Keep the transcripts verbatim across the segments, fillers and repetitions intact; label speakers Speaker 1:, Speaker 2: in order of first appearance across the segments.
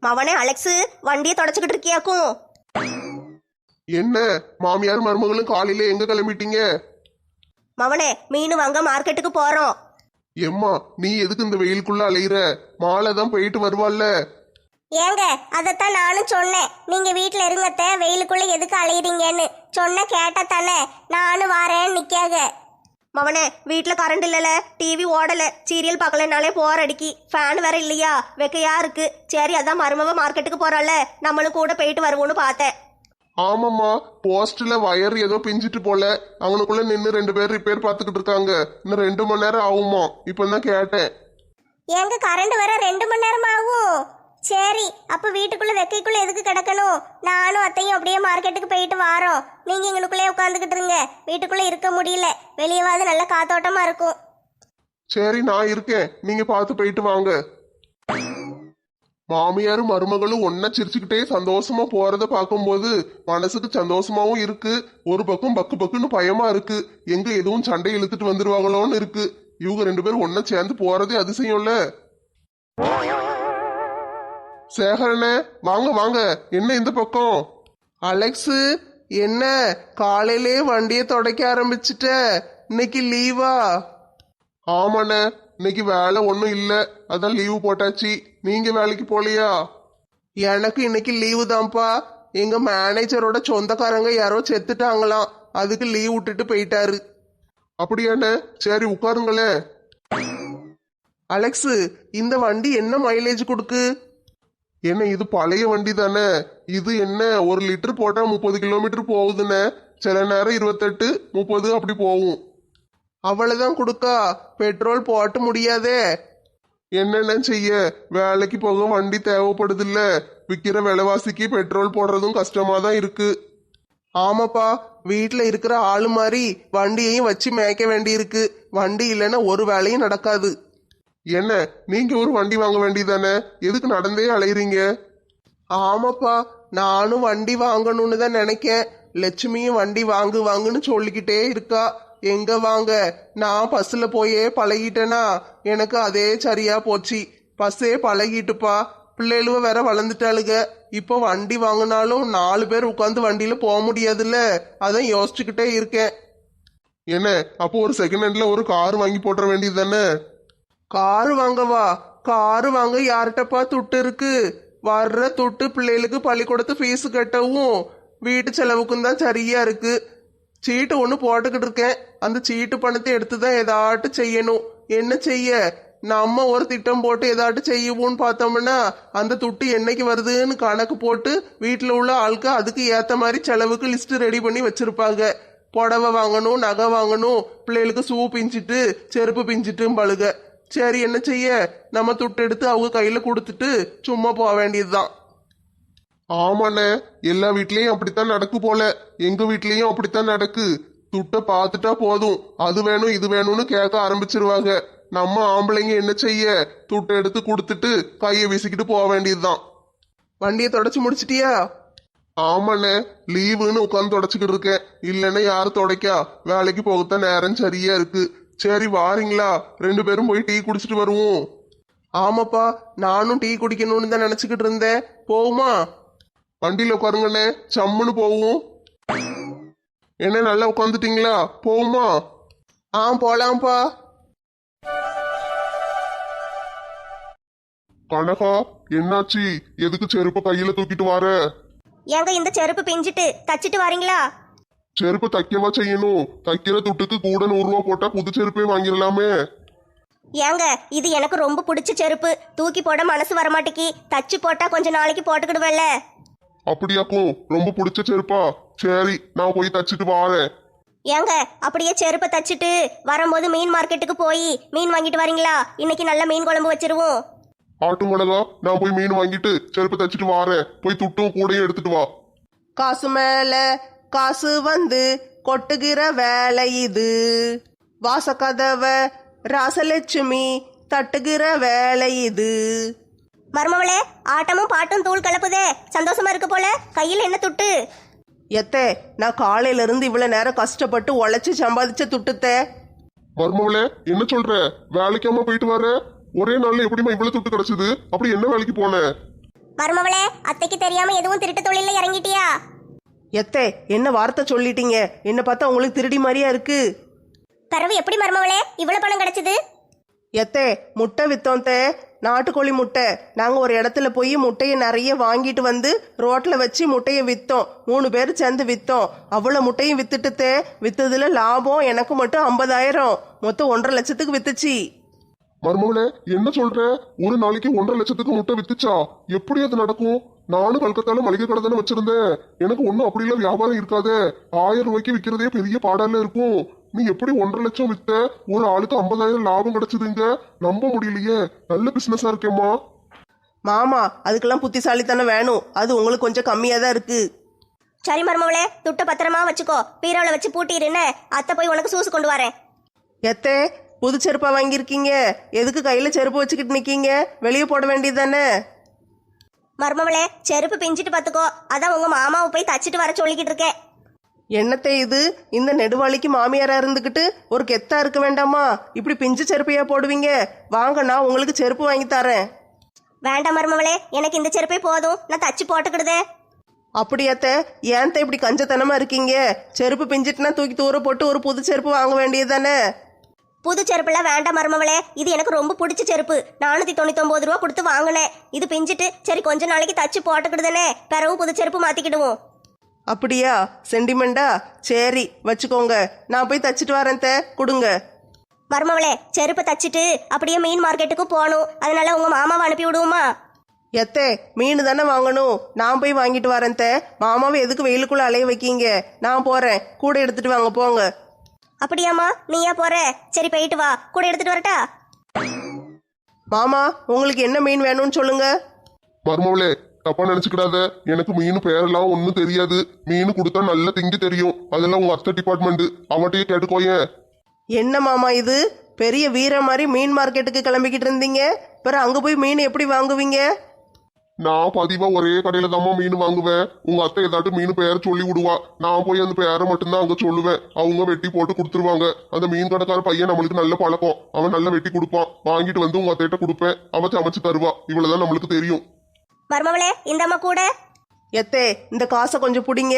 Speaker 1: மவனே அலெக்ஸு, வண்டியை தொடச்சுக்கிட்டு இருக்கியாக்கும்?
Speaker 2: என்ன மாமியார் மருமகளும் காலையில எங்க கிளம்பிட்டீங்க?
Speaker 1: மவனே, மீன் வாங்க மார்க்கெட்டுக்கு போறோம்.
Speaker 2: எம்மா, நீ எதுக்கு இந்த வெயிலுக்குள்ள அலையிற? மாலை தான் போயிட்டு வருவாள்ல.
Speaker 3: ஏங்க அதைத்தான் நானும் சொன்னேன். நீங்க வீட்டுல இருங்கத்த, வெயிலுக்குள்ள எதுக்கு அலையிறீங்கன்னு சொன்ன கேட்ட தானே நானும் வாரேன்னு நிக்காக.
Speaker 1: மவனே, வீட்டில் கரண்ட் இல்லைல்ல, டிவி ஓடலை, சீரியல் பார்க்கலனாலே போர் அடிக்கி, ஃபேன் வேற இல்லையா, வெக்கையா இருக்கு. சரி, அதான் மருமவ மார்க்கெட்டுக்கு போறாள், நம்மளும் கூட போயிட்டு வருவோன்னு பார்த்தேன்.
Speaker 2: ஆமாம்மா, போஸ்ட்ல வயர் ஏதோ பிஞ்சிட்டு போல, அவனுக்குள்ள நின்று ரெண்டு பேர் ரிப்பேர் பார்த்துக்கிட்டு இருக்காங்க. இன்னும் ரெண்டு மணி நேரம் ஆகுமா? இப்பதான் கேட்டேன்.
Speaker 3: ஏங்க கரண்ட் வர ரெண்டு மணி நேரம் ஆகும்? சரி, அப்ப வீட்டுக்குள்ள வெக்கைக்குள்ள எதுக்கு கிடக்கணும்? நானும் அத்தையும் அப்படியே மார்க்கெட்டுக்கு போயிட்டு வாரோம். நீங்க எங்களுக்குள்ளே உட்காந்துக்கிட்டு இருங்க, வீட்டுக்குள்ள இருக்க முடியல, வெளியவாது நல்ல காத்தோட்டமா இருக்கும்.
Speaker 2: சரி, நான் இருக்கேன், நீங்க பார்த்து போயிட்டு வாங்க. மாமியாரும் மருமகளும் ஒன்னா சிரிச்சுக்கிட்டே சந்தோஷமா போறத பார்க்கும்போது மனசுக்கு சந்தோஷமாவும் இருக்கு. ஒரு பக்கம் பக்கு பக்குன்னு பயமா இருக்கு, எங்க எதுவும் சண்டை இழுத்துட்டு வந்துருவாங்களோன்னு இருக்கு. இவங்க ரெண்டு பேரும் ஒன்னா சேர்ந்து போறதே அதிசயம்ல. சேகரனே, வாங்க வாங்க, என்ன இந்த பக்கம்?
Speaker 4: அலெக்ஸு, என்ன காலையிலே வண்டியை தொடக்க ஆரம்பிச்சிட்ட? இன்னைக்கு லீவா?
Speaker 2: ஆமாண்ணே, இன்னைக்கு வேலை ஒன்றும் இல்லை, அதான் லீவு போட்டாச்சு. நீங்க வேலைக்கு போலியா?
Speaker 4: எனக்கு இன்னைக்கு லீவு தான்ப்பா. எங்க மேனேஜரோட சொந்தக்காரங்க யாரோ செத்துட்டாங்களாம், அதுக்கு லீவ் விட்டுட்டு போயிட்டாரு.
Speaker 2: அப்படியாண்ணே, சரி உட்காருங்களேன்.
Speaker 4: அலெக்ஸு, இந்த வண்டி என்ன மைலேஜ் கொடுக்கு?
Speaker 2: என்ன இது பழைய வண்டி தானே? இது என்ன ஒரு லிட்டர் போட்டா முப்பது கிலோமீட்டர் போகுதுண்ணே. சில நேரம் இருபத்தெட்டு முப்பது அப்படி போகும்.
Speaker 4: அவ்வளவுதான் கொடுக்கா? பெட்ரோல் போட்டு முடியாதே.
Speaker 2: என்னென்ன செய்ய, வேலைக்கு போக வண்டி தேவைப்படுது இல்ல. விற்கிற விலைவாசிக்கு பெட்ரோல் போடுறதும் கஷ்டமா தான் இருக்கு.
Speaker 4: ஆமாப்பா, வீட்டுல இருக்கிற ஆளு மாதிரி வண்டியையும் வச்சு மேய்க்க வேண்டி இருக்கு. வண்டி இல்லைன்னா ஒரு வேலையும் நடக்காது.
Speaker 2: என்ன, நீங்க ஒரு வண்டி வாங்க வேண்டியதானே? எதுக்கு நடந்தே அலையிறீங்க?
Speaker 4: ஆமாப்பா, நானும் வண்டி வாங்கணும்னு தான் நினைக்கேன். லட்சுமியும் வண்டி வாங்கு வாங்குன்னு சொல்லிக்கிட்டே இருக்கா. எங்க வாங்க, நான் பஸ்ல போயே பழகிட்டேனா, எனக்கு அதே சரியா போச்சு. பஸ்ஸே பழகிட்டுப்பா, பிள்ளைகளுவ வேற வளர்ந்துட்டாளுங்க. இப்போ வண்டி வாங்கினாலும் நாலு பேர் உட்காந்து வண்டியில போக முடியாதுல்ல, அதான் யோசிச்சுக்கிட்டே இருக்கேன்.
Speaker 2: என்ன, அப்போ ஒரு செகண்ட் ஹேண்ட்ல ஒரு கார் வாங்கி போட்டுற வேண்டியது தானே?
Speaker 4: காரு வாங்கவா? காரு வாங்க யார்கிட்டப்பா துட்டு இருக்கு? வர்ற துட்டு பிள்ளைகளுக்கு பள்ளிக்கூடத்து ஃபீஸு கட்டவும் வீட்டு செலவுக்கும் தான் சரியா இருக்கு. சீட்டு ஒன்று போட்டுக்கிட்டு இருக்கேன். அந்த சீட்டு பணத்தை எடுத்து தான் ஏதாட்டு செய்யணும். என்ன செய்ய, நம்ம ஒரு திட்டம் போட்டு ஏதாட்டு செய்வோம்னு பார்த்தோம்னா அந்த துட்டு என்னைக்கு வருதுன்னு கணக்கு போட்டு வீட்டில் உள்ள ஆளுக்கு அதுக்கு ஏற்ற மாதிரி செலவுக்கு லிஸ்ட் ரெடி பண்ணி வச்சிருப்பாங்க. புடவை வாங்கணும், நகை வாங்கணும், பிள்ளைகளுக்கு ஷூ பிஞ்சிட்டு செருப்பு பிஞ்சிட்டும் பழுக. சரி, என்ன செய்ய, நம்ம துட்டு எடுத்து அவங்க கையில கொடுத்துட்டு சும்மா போக வேண்டியதுதான்.
Speaker 2: ஆமாண்ணே, எல்லா வீட்லயும் அப்படித்தான் நடக்கு போல. எங்க வீட்லயும் அப்படித்தான் நடக்கு. துட்டை பார்த்துட்டா போதும், அது வேணும் இது வேணும்னு கேட்க ஆரம்பிச்சிருவாங்க. நம்ம ஆம்பளைங்க என்ன செய்ய, துட்டை எடுத்து கொடுத்துட்டு கையை வீசிக்கிட்டு போக வேண்டியதுதான்.
Speaker 4: வண்டியை தொடச்சு முடிச்சிட்டியா?
Speaker 2: ஆமாண்ணே, லீவுன்னு உட்காந்து தொடச்சுக்கிட்டு இருக்கேன். இல்லைன்னா யாரு தொடக்கா? வேலைக்கு போகத்தான் நேரம் சரியா இருக்கு. சரி, வாரீங்களா? ரெண்டு பேரும் போய் டீ குடிச்சிட்டு வருவோம்.
Speaker 4: ஆமாப்பா, நானும் டீ குடிக்கணும்னு தான் நினைச்சுக்கிட்டு இருந்தேன். போகுமா?
Speaker 2: வண்டியில உட்காருங்கண்ணே, சம்முன்னு போவோம். என்ன, நல்லா உட்காந்துட்டீங்களா? போகுமா?
Speaker 4: ஆ, போலாம்ப்பா.
Speaker 2: கனகா, என்னாச்சு? எதுக்கு செருப்ப கையில தூக்கிட்டு வர?
Speaker 1: ஏங்க இந்த செருப்பு பிஞ்சிட்டு, தச்சிட்டு வரீங்களா?
Speaker 2: செருப்பு தைக்கவா செய்யணும்? தைக்கிற துட்டுக்கு கூட நூறு ரூபா போட்டா புது செருப்பே வாங்கிடலாமே.
Speaker 1: ஏங்க, இது எனக்கு ரொம்ப பிடிச்ச செருப்பு, தூக்கி போட மனசு வரமாட்டேக்கி. தச்சு போட்டா கொஞ்ச நாளைக்கு போட்டுக்கிடுவேல்ல.
Speaker 2: அப்படியாக்கும், ரொம்ப பிடிச்ச செருப்பா? சரி, நான் போய் தச்சுட்டு வாரேன்.
Speaker 1: ஏங்க, அப்படியே செருப்பை தச்சுட்டு வரும்போது மீன் மார்க்கெட்டுக்கு போய் மீன் வாங்கிட்டு வரீங்களா? இன்னைக்கு நல்ல மீன் குழம்பு வச்சிருவோம்.
Speaker 2: ஆட்டும் கனகா, நான் போய் மீன் வாங்கிட்டு செருப்பு தச்சுட்டு வாரேன். போய் துட்டும் கூடையும் எடுத்துட்டு வா.
Speaker 4: காசு மேல காசு வந்து கொட்டுகிற வேலை இது, வாசக்கதவ ராசலட்சுமி தட்டுகிற வேலை இது.
Speaker 1: மருமவளே, ஆட்டமும் பாட்டும் தூள் கலப்புதே, சந்தோஷமா இருக்கு போல. கையில் என்ன துட்டு?
Speaker 4: எத்தே, நான் காலையில இருந்து இவ்வளவு நேரம் கஷ்டப்பட்டு உழைச்சு சம்பாதிச்ச துட்டுத்தே.
Speaker 2: மர்மவளே, என்ன சொல்ற? வேலைக்காம போயிட்டு வர? ஒரே நாள்ல எப்படிமா இவ்வளவு துட்டு கிடைச்சது? அப்படி என்ன வேலைக்கு போன?
Speaker 3: மருமவளே, அத்தைக்கு தெரியாம எதுவும் திருட்டு தொழில இறங்கிட்டியா?
Speaker 4: எத்தே என்ன வார்த்தை சொல்லிட்டீங்க? என்ன பார்த்தா உங்களுக்கு திருடி மாதிரியா இருக்கு?
Speaker 3: பிறவு எப்படி மருமவளே இவ்வளவு பணம் கிடைச்சது?
Speaker 4: எத்தே முட்டை வித்தோம் தே, நாட்டுக்கோழி முட்டை. நாங்கள் ஒரு இடத்துல போய் முட்டையை நிறைய வாங்கிட்டு வந்து ரோட்டில் வச்சு முட்டையை விற்றோம். மூணு பேர் சேர்ந்து விற்றோம். அவ்வளோ முட்டையும் வித்துட்டு தே, வித்ததுல லாபம் எனக்கு மட்டும் ஐம்பதாயிரம். மொத்தம் ஒன்றரை லட்சத்துக்கு வித்துச்சு.
Speaker 2: மருமகளே என்ன சொல்ற? ஒரு நாளைக்கு ஒன்றரை லட்சத்துக்கு முட்டை வித்துச்சா? எப்படி அது நடக்கும்? நானும் கல்கத்தால மளிகை கடை தானே வச்சிருந்தேன். எனக்கு ஒன்றும் அப்படிலாம் வியாபாரம் இருக்காதே. ஆயிரம் ரூபாய்க்கு விற்கிறதே பெரிய பாடால இருக்கும். நீ எப்படி ஒன்றரை லட்சம் வித்த? ஒரு ஆளுக்கு ஐம்பதாயிரம் லாபம் கிடைச்சதுங்க. நம்ப முடியலையே. நல்ல பிசினஸா இருக்கேம்மா.
Speaker 4: மாமா அதுக்கெல்லாம் புத்திசாலித்தனம் வேணும். அது உங்களுக்கு கொஞ்சம் கம்மியாக தான் இருக்கு.
Speaker 1: சரி மருமவளே, துட்ட பத்திரமா வச்சுக்கோ. பீரோல வச்சு பூட்டிருன்னு அத்தை போய் உனக்கு சூசு கொண்டு வரேன்.
Speaker 4: எத்தே புது செருப்பா வாங்கியிருக்கீங்க? எதுக்கு கையில் செருப்பு வச்சுக்கிட்டு நிற்கீங்க? வெளியே போட வேண்டியது தானே?
Speaker 1: மருமவளே, செருப்பு பிஞ்சிட்டு பார்த்துக்கோ. அதான் உங்க மாமாவை போய் தச்சிட்டு வர சொல்லிக்கிட்டு இருக்கேன்.
Speaker 4: என்னத்தை இது? இந்த நெடுவாளிக்கு மாமியாரா இருந்துக்கிட்டு ஒரு கெத்தா இருக்க வேண்டாமா? இப்படி பிஞ்சு செருப்பையா போடுவீங்க? வாங்க, நான் உங்களுக்கு செருப்பு வாங்கி தரேன்.
Speaker 1: வேண்டாம் மருமவளே, எனக்கு இந்த செருப்பே போதும். நான் தச்சு போட்டுக்கிடுதே.
Speaker 4: அப்படியாத்த? ஏன்த்த இப்படி கஞ்சத்தனமா இருக்கீங்க? செருப்பு பிஞ்சிட்டுனா தூக்கி தூர போட்டு ஒரு புது செருப்பு வாங்க வேண்டியது தானே?
Speaker 1: புது செருப்புலாம் வேண்டாம் மருமவளே. இது எனக்கு ரொம்ப பிடிச்ச செருப்பு. நானூத்தி தொண்ணூத்தி ஒன்பது ரூபா கொடுத்து வாங்கினேன். இது பிஞ்சிட்டு சரி கொஞ்ச நாளைக்கு தச்சு போட்டுக்கிடுதானே, பிறகு புது செருப்பு மாத்திக்கிடுவோம்.
Speaker 4: அப்படியா? சென்டிமெண்டா? சரி வச்சுக்கோங்க, நான் போய் தச்சிட்டு வரேன். தே கொடுங்க.
Speaker 1: மருமவளே, செருப்பை தச்சிட்டு அப்படியே மீன் மார்க்கெட்டுக்கு போகணும். அதனால உங்க மாமாவை அனுப்பி விடுவோமா?
Speaker 4: எத்தே மீன் தானே வாங்கணும். நான் போய் வாங்கிட்டு வரேன். தே மாமாவை எதுக்கு வெயிலுக்குள்ள அலைய வைக்கீங்க? நான் போறேன். கூட எடுத்துட்டு வாங்க போங்க.
Speaker 1: அப்படியாம்மா, நீயா போற? சரி போயிட்டு வா. கூட எடுத்துட்டு வரட்டா?
Speaker 4: மாமா உங்களுக்கு என்ன மீன் வேணும்னு சொல்லுங்க.
Speaker 2: மருமகளே தப்பா நினைச்சுக்கிடாத. எனக்கு மீன் பேரெல்லாம் ஒன்றும் தெரியாது. மீன் கொடுத்தா நல்ல திங்கி தெரியும். அதெல்லாம் உங்க அத்தை டிபார்ட்மெண்ட், அவட்டையே கேட்டுக்கோயேன்.
Speaker 4: என்ன மாமா இது? பெரிய வீர மாதிரி மீன் மார்க்கெட்டுக்கு கிளம்பிக்கிட்டு இருந்தீங்க. பிறகு அங்கே போய் மீன் எப்படி வாங்குவீங்க?
Speaker 2: நான் பதிவா ஒரே கடையில தாம்மா மீன் வாங்குவேன். உங்க அத்தை ஏதாட்டும் மீன் பெயர் சொல்லி விடுவா. நான் போய் அந்த பெயரை மட்டும்தான் அங்க சொல்லுவேன். அவங்க வெட்டி போட்டு கொடுத்துருவாங்க. அந்த மீன் கடைக்கார பையன் நம்மளுக்கு நல்ல பழக்கம். அவன் நல்லா வெட்டி கொடுப்பான். வாங்கிட்டு வந்து உங்க அத்தையிட்ட கொடுப்பேன். அவ சமைச்சு தருவா. இவ்வளவுதான் நம்மளுக்கு தெரியும்.
Speaker 1: மருமவளே, இந்தம்மா கூட.
Speaker 4: எத்தே இந்த காசை கொஞ்சம் பிடிங்க.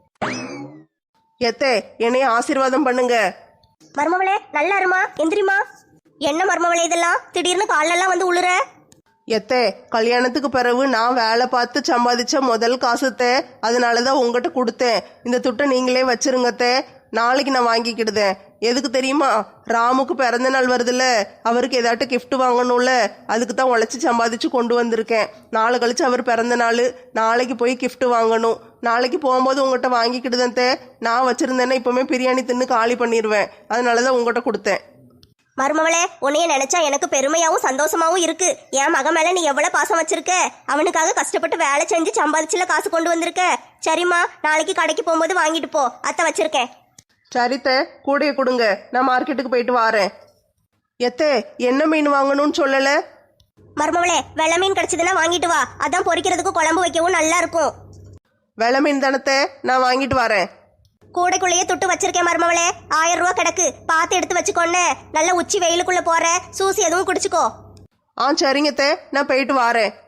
Speaker 4: எத்தே என்னைய ஆசீர்வாதம் பண்ணுங்க.
Speaker 1: மருமவளே நல்லா இருமா, எந்திரிமா. என்ன மருமவளே இதெல்லாம்? திடீர்னு காலெல்லாம் வந்து உளுற.
Speaker 4: எத்தே கல்யாணத்துக்கு பிறகு நான் வேலை பார்த்து சம்பாதிச்ச முதல் காசுத்தே, அதனாலதான் உங்ககிட்ட கொடுத்தேன். இந்த துட்டை நீங்களே வச்சிருங்கத்தே. நாளைக்கு நான் வாங்கிக்கிடுதேன். எதுக்கு தெரியுமா? ராமுக்கு பிறந்த நாள் வருதுல்ல, அவருக்கு ஏதாட்டும் கிஃப்ட் வாங்கணும்ல, அதுக்கு தான் உழைச்சி சம்பாதிச்சு கொண்டு வந்திருக்கேன். நாளை கழிச்சு அவர் பிறந்த நாள், நாளைக்கு போய் கிஃப்ட் வாங்கணும். நாளைக்கு போகும்போது உங்கள்கிட்ட வாங்கிக்கிடுதேன் தே. நான் வச்சிருந்தேன்னா இப்பவுமே பிரியாணி தின்னு காலி பண்ணிடுவேன். அதனாலதான் உங்கள்கிட்ட கொடுத்தேன்.
Speaker 1: மருமவளே, உன்னைய நினைச்சா எனக்கு பெருமையாவும் சந்தோஷமாவும் இருக்கு. என் மகன் மேல நீ எவ்வளவு பாசம் வச்சிருக்க. அவனுக்காக கஷ்டப்பட்டு வேலை செஞ்சு சம்பாதிச்சுல காசு கொண்டு வந்திருக்க. சரிம்மா, நாளைக்கு கடைக்கு போகும்போது வாங்கிட்டு போ. அத்தை வச்சிருக்கேன்.
Speaker 4: சரித்த கூடைய கொடுங்க, நான் மார்க்கெட்டுக்கு போயிட்டு வாரேன். எத்தே என்ன மீன் வாங்கணும்னு சொல்லல?
Speaker 1: மருமவளே, வெள்ளை மீன் கிடைச்சதுன்னா வாங்கிட்டு வா. அதான் பொரிக்கிறதுக்கு குழம்பு வைக்கவும் நல்லா இருக்கும்.
Speaker 4: வெள்ளை மீன் தானத்தை, நான் வாங்கிட்டு வரேன்.
Speaker 1: கூடைக்குள்ளேயே துட்டு வச்சிருக்கேன் மருமவளே. ஆயிரம் ரூபா கிடக்கு, பார்த்து எடுத்து வச்சுக்கோன்னு. நல்ல உச்சி வெயிலுக்குள்ள போற, சூசி எதுவும் குடிச்சுக்கோ.
Speaker 4: ஆ சரிங்கத்தே, நான் போயிட்டு வாரேன்.